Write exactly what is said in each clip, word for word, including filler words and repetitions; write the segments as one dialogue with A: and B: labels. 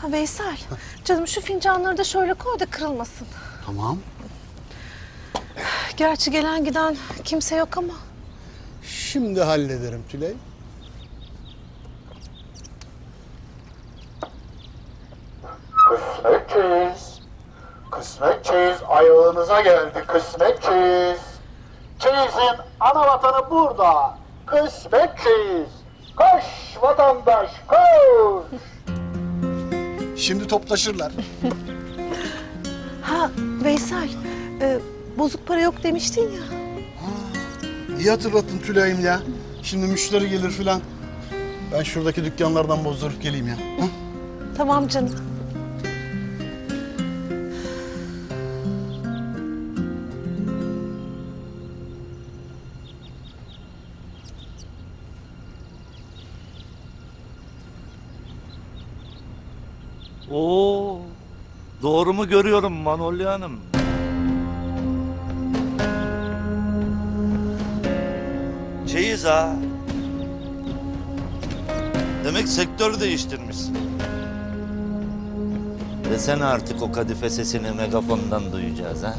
A: Ha Veysel, canım şu fincanları da şöyle koy da kırılmasın.
B: Tamam.
A: Gerçi gelen giden kimse yok ama.
B: Şimdi hallederim Tülay.
C: Kısmet çeyiz. Kısmet çeyiz ayağınıza geldi kısmet çeyiz. Çeyizin ana vatanı burada. Kısmet çeyiz. Koş vatandaş koş.
B: Şimdi toplaşırlar.
A: Ha Veysel, e, bozuk para yok demiştin ya.
B: İyi hatırlattın Tülay'ım ya. Şimdi müşteri gelir filan. Ben şuradaki dükkanlardan bozdurup geleyim ya. Hı?
A: Tamam canım.
D: Oo, doğru mu görüyorum Manolya Hanım? Çeyiz ha. Demek sektör değiştirmişsin. Desene artık o kadife sesini megafondan duyacağız ha.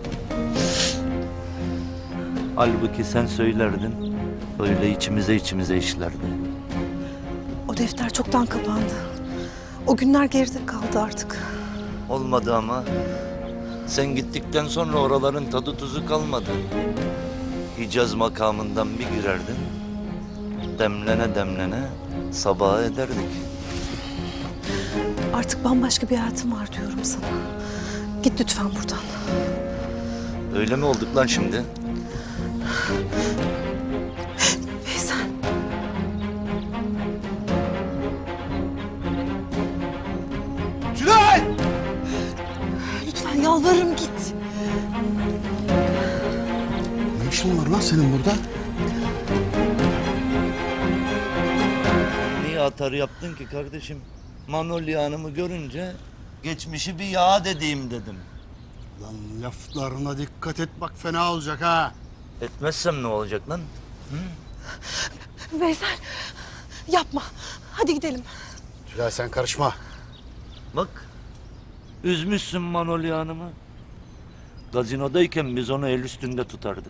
D: Halbuki sen söylerdin, öyle içimize içimize işlerdi.
A: O defter çoktan kapandı. O günler geride kaldı artık.
D: Olmadı ama. Sen gittikten sonra oraların tadı tuzu kalmadı. Hicaz makamından bir girerdin. Demlene demlene sabaha ederdik.
A: Artık bambaşka bir hayatım var diyorum sana. Git lütfen buradan.
D: Öyle mi olduk lan şimdi?
A: Veysel.
B: Tülay!
A: Lütfen yalvarırım git.
B: Ne işin var lan senin burada?
D: Niye atarı yaptın ki kardeşim? Manolya Hanım'ı görünce geçmişi bir yad edeyim dedim.
B: Lan laflarına dikkat et bak fena olacak ha.
D: Etmezsem ne olacak lan?
A: Veysel yapma. Hadi gidelim.
B: Tülay sen karışma.
D: Bak, üzmüşsün Manolya Hanım'ı. Gazinodayken biz onu el üstünde tutardık.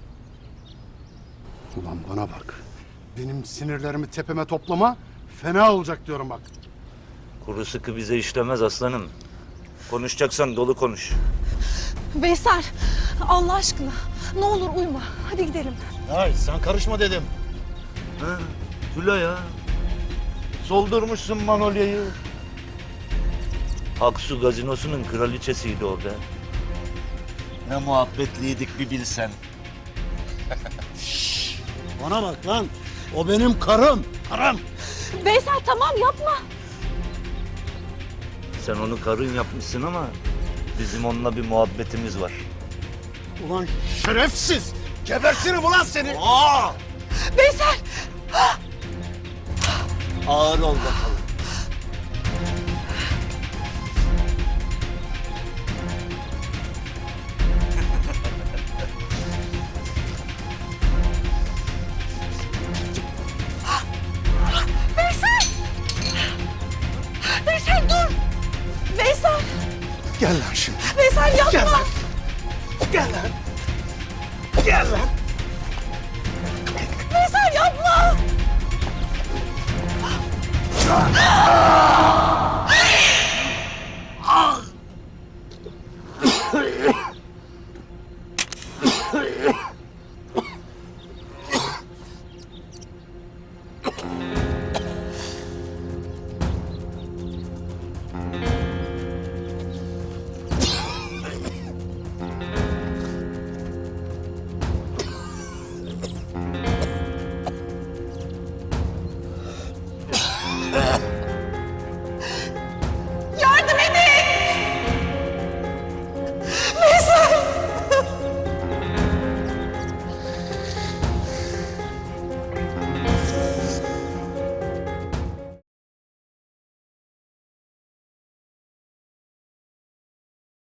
B: Ulan bana bak. Benim sinirlerimi tepeme toplama. Fena olacak diyorum bak.
D: Kuru sıkı bize işlemez aslanım. Konuşacaksan dolu konuş.
A: Veysel Allah aşkına ne olur uyma. Hadi gidelim.
B: Hayır sen karışma dedim.
D: Ha, Tülay ya. Soldurmuşsun Manolya'yı. Aksu gazinosunun kraliçesiydi o be. Ne muhabbetliydik bir bilsen.
B: Bana bak lan. O benim karım. Karım.
A: Veysel tamam yapma.
D: Sen onu karın yapmışsın ama bizim onunla bir muhabbetimiz var.
B: Ulan şerefsiz. Gebertirim ulan seni.
D: Aa!
A: Veysel.
D: Ağır ol bakalım.
A: Veysel. Veysel dur. Veysel.
B: Gel lan şimdi.
A: Veysel yapma.
B: Gel lan. Gel lan. Gel lan.
A: Veysel yapma.